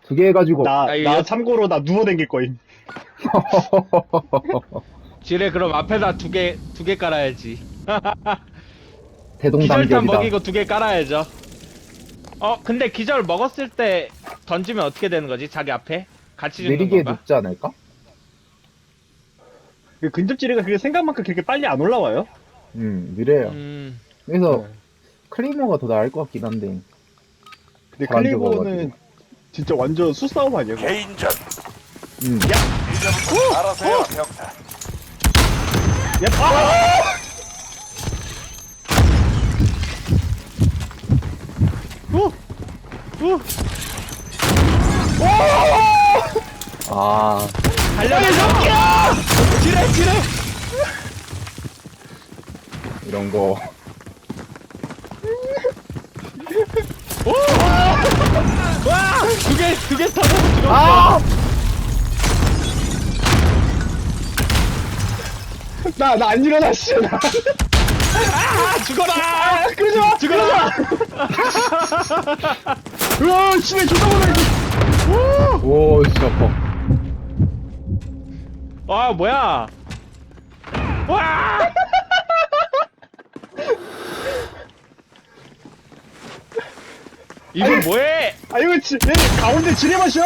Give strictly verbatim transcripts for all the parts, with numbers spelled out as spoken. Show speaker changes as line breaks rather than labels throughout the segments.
두 개 해가지고.
나,
아, 이거
나
여-
참고로 나 누워 댕길 거임.
지뢰 그럼 앞에다 두 개, 두 개 깔아야지. 기절탄
대동단결이다.
먹이고 두 개 깔아야죠. 어, 근데 기절 먹었을 때 던지면 어떻게 되는 거지? 자기 앞에? 같이 죽는
내리게
건가?
눕지 않을까?
그 근접지뢰가 그게 생각만큼 그렇게 빨리 안 올라와요.
음, 느려요.
음,
그래서
네.
클리머가 더 나을 것 같긴 한데.
근데
잘안
클리버는
죽어가지고.
진짜 완전 수싸움 아니야? 그거?
개인전.
음.
이제부터 알아서 해라, 병타.
야, 아! 오! 오!
아,
달려라! 지뢰, 지뢰!
이런 거.
와! 두 개, 두 개 터져 죽었어.
아!
나, 나 안 일어나, 씨. 나.
아, 죽어라!
아, 그러지 마!
죽어라!
으아, 씨발, 존나 많아, 이거.
오, 진짜 아파.
아, 뭐야? 와! 이건 뭐해?
아, 이거, 지, 얘 가운데 지뢰 마셔!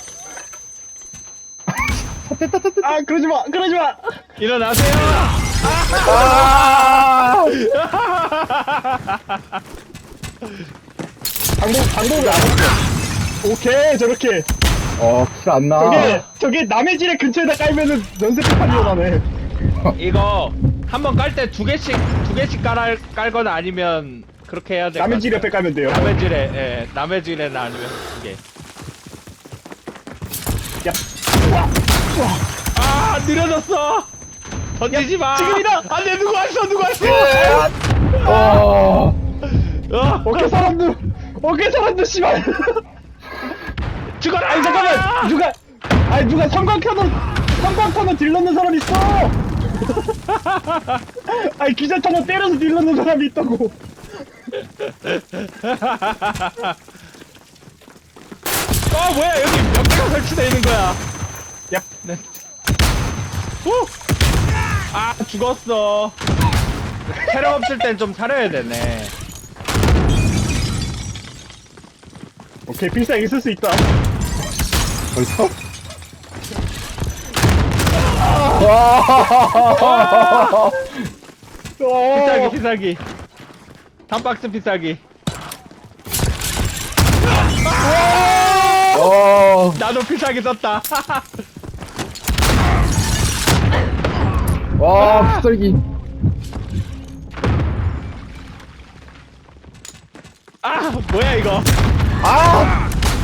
아, 그러지 마, 그러지 마!
일어나세요!
아!
방법, 방법을 알았어. 오케이, 저렇게.
어, 킬 안 나.
저게, 저게 남의 지뢰 근처에다 깔면은 연쇄폭탄이 일어나네.
이거 한 번 깔 때 두 개씩 두 개씩 깔 깔거나 아니면 그렇게 해야 돼.
남의 지뢰 옆에 깔면 돼요.
남의 지뢰, 예, 남의 지뢰나 아니면 두 개.
야, 우와, 우와.
아, 느려졌어. 던지지 마.
지금이다!
안돼, 누구 왔어, 누구 왔어?
어.
어,
어깨 사람들, 어깨 사람들, 씨발.
죽어라.
아니, 잠깐만! 누가, 아니, 누가 성광 켜놓은, 성광 켜놓은 딜 넣는 사람 있어! 아니, 기자탄을 때려서 딜 넣는 사람이 있다고.
어, 뭐야, 여기 몇 개가 설치되어 있는 거야.
야,
네. 후! 아, 죽었어. 체력 없을 땐 좀 살아야 되네.
오케이, 필살기 쓸 수 있다.
벌써? 와!
필살기,
어,
필살기. 단박스 필살기.
어.
나도 필살기 썼다.
와, 빗설기.
아, 뭐야, 이거.
아!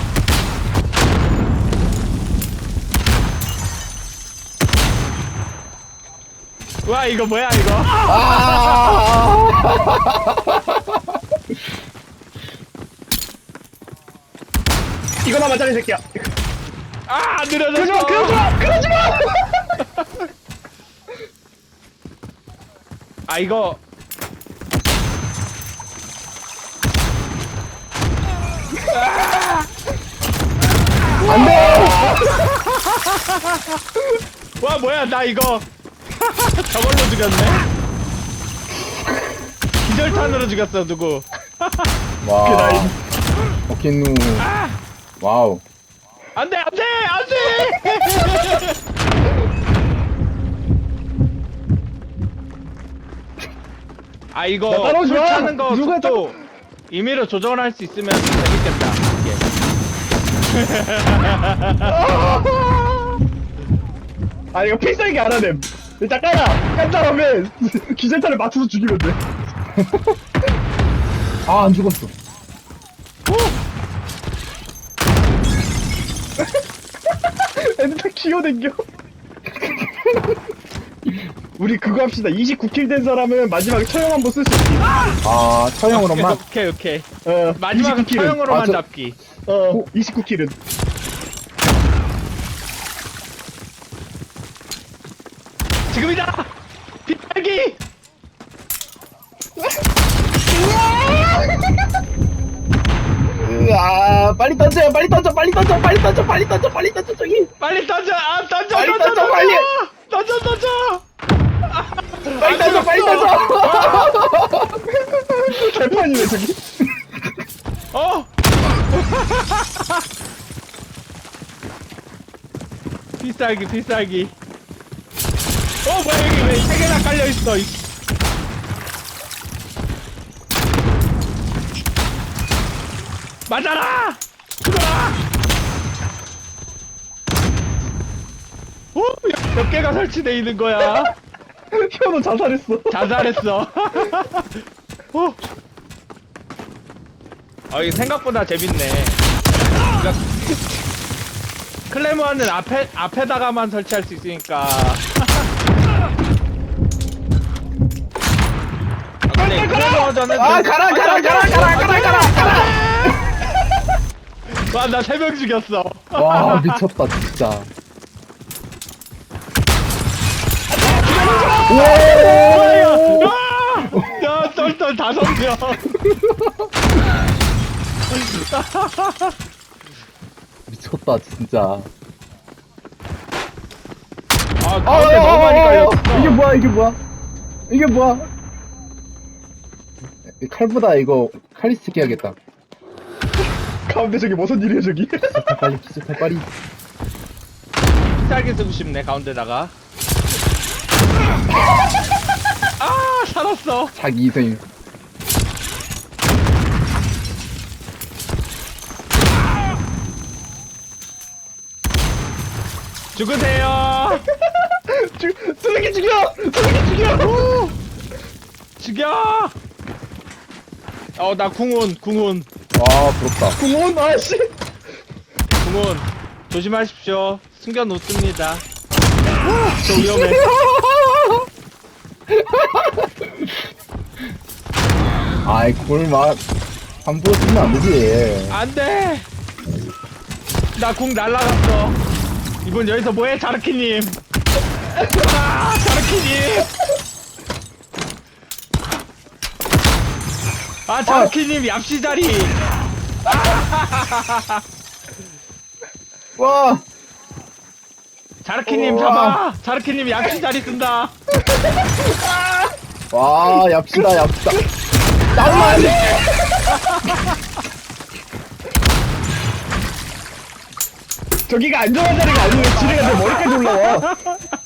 와, 이거 뭐야, 이거.
아!
이거나 맞자, 이 새끼야.
아,
그러지
느려졌어.
마, 그러지 마, 그러지 마!
아, 이거.
안 돼!
와, 뭐야, 나 이거. 저걸로 죽였네. 기절탄으로 죽였어, 누구.
와.
나이.
오케누. 와우.
안 돼, 안 돼, 안 돼! 아, 이거.
야, 따라오지
불
마!
차는 거
누가
속도 임의로 조절할 수 있으면 재밌겠다. 이게.
아, 이거 필살기 안 하네. 일단 깔아! 깐 다음에 기절탄을 맞춰서 죽이면 돼.
아, 안 죽었어.
애들 다 기어댕겨. 우리 그거 합시다. 이십구 킬 된 사람은 마지막에 처형 한번 쓸 수 있게.
아, 처형으로만.
오케이, 오케이.
어,
마지막은
이십구 킬은.
처형으로만
아, 저-
잡기.
어, 이십구 킬은.
지금이다! 빗발기!
으아, 빨리 빨리 던져 빨리 던져 빨리 던져 빨리 던져 빨리 던져 빨리 던져 저기
빨리 던져! 아, 던져!
빨리
던져!
던져,
던져!
빨리!
던져! 던져!
빨리 던져 빨리 던져
개판이네 저기.
어! 비쌀기, 비쌀기. 어, 뭐야, 여기 왜 세 개나 깔려있어, 이. 맞아라! 죽어라! 어? 몇 개가 설치돼 있는 거야?
현우 자살했어.
자살했어. 어. 어, 이게 생각보다 재밌네. 그러니까 클레모어는 앞에, 앞에다가만 설치할 수 있으니까. 아, 근데 클레모어전은.
아 가라 가라 가라 가라 가라 가라 가라
와, 나 세 명 죽였어.
와 미쳤다 진짜 오
아! 야, 똘똘 다섯 명.
미쳤다 진짜
아,
아,
가운데 너무 많이 깔렸어.
이게 뭐야 이게 뭐야 이게 뭐야 이 칼보다 이거 칼리스틱 해야겠다
가운데 저기 무슨 일이야 저기.
기술탈 빨리 기술탈 빨리
비싸게 쓰고 싶네, 가운데다가. 아, 살았어.
자기 희생
죽으세요.
죽 쓰레기 죽여. 쓰레기 죽여.
죽여. 어, 나 궁온, 궁온,
와 부럽다
공원 아씨.
궁온. 조심하십시오. 숨겨놓습니다. 저 위험해.
아이 그걸 막 함부로 쓰면 안 되지
안 돼. 나 궁 날라갔어. 이분 여기서 뭐해, 자르키님. 아, 자르키님. 아, 자르키님 얍시자리.
와
자르키님
우와.
잡아. 자르키님 얍시자리 쓴다.
와, 얍시다, 얍시다. 나만 안 돼!
저기가 안전한 자리가 아니면 지뢰가 내 머리까지 올라와.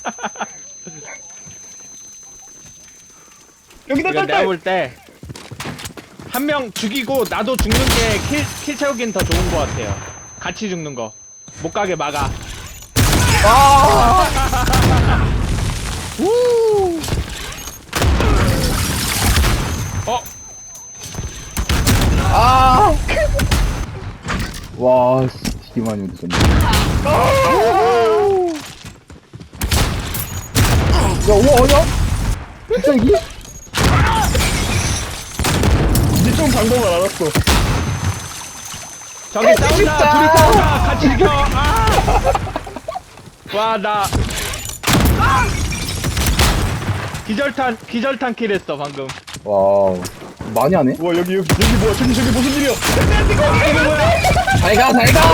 여기다
이거 내가
딸딸.
볼 때 한 명 죽이고 나도 죽는 게 킬 킬 채우긴 더 좋은 것 같아요. 같이 죽는 거. 못 가게 막아.
아!
우. 어,
아! 와, 씨, 되게 많이 웃었네. 야, 우와, 아니야? 진짜 이게?
니좀 방법을 알았어.
저기 싸운다.
진짜.
둘이 싸운다. 같이 죽여. 아! 와, 나 기절탄 기절탄 킬했어 방금.
와우. 많이 하네?
우와 여기 여기 여기 뭐야 저기 저기 무슨 일이야?
잘 가, 잘 가!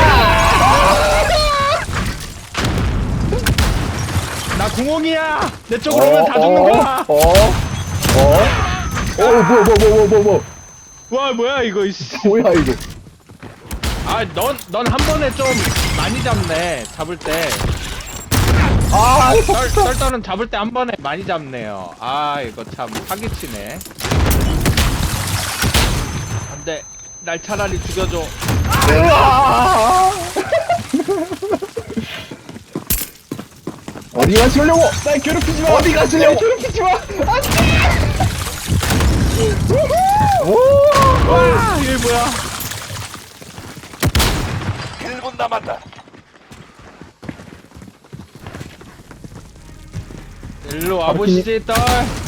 나 구멍이야. 내 쪽으로 오면 다 죽는 거야.
어? 어? 어, 뭐야, 뭐야, 뭐야, 뭐야, 뭐야.
와, 뭐야 이거. 이씨.
뭐야, 이거.
아, 넌 넌 한 번에 좀 많이 잡네. 잡을 때.
아,
썰, 썰썰은 잡을 때 한 번에 많이 잡네요. 아, 이거 참 사기치네. 안돼. 날 차라리 죽여줘.
으아! 어디 가시려고?
날 괴롭히지 마.
어디 가시려고?
날 괴롭히지 마. 안돼.
오!
와, 이게 뭐야?
일 분 남았다.
일로 와보시지, 떨.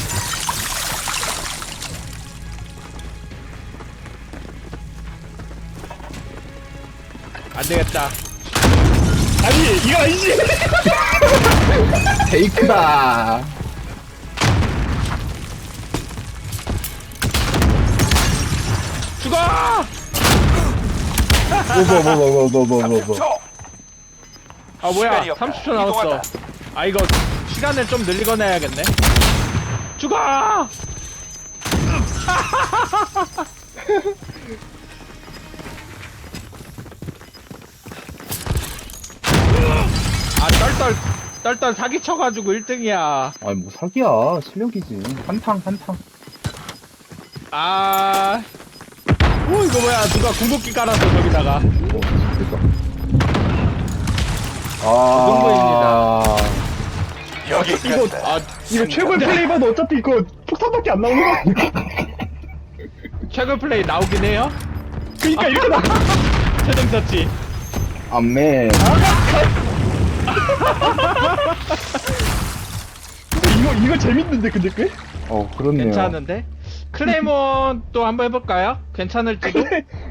안 되겠다.
아니 이거 아니지.
페이크다.
죽어!
뭐, 뭐, 뭐, 뭐, 뭐, 뭐, 뭐, 뭐.
초.
아 뭐야
시간이 없다.
삼십 초 남았어.
이동한다.
아 이거 시간을 좀 늘리거나 해야겠네. 죽어! 아 떨떨 떨떨 사기 쳐가지고 일 등이야.
아니, 뭐 사기야. 실력이지. 한탕, 한탕.
아, 오 이거 뭐야? 누가 궁극기 깔았어 저기다가.
어, 됐다. 아.
여기
이거
있다.
아
이거 최고의 플레이봐도 어차피 이거 폭탄밖에 안 나오는 거 아니야?
최근 플레이 나오긴 해요.
그니까 이렇게 나.
최종 처치.
암맨.
이거 이거 재밌는데 근데 꽤?
어, 그렇네요.
괜찮은데? 클레이몬 또 한번 해볼까요? 괜찮을지도?
클레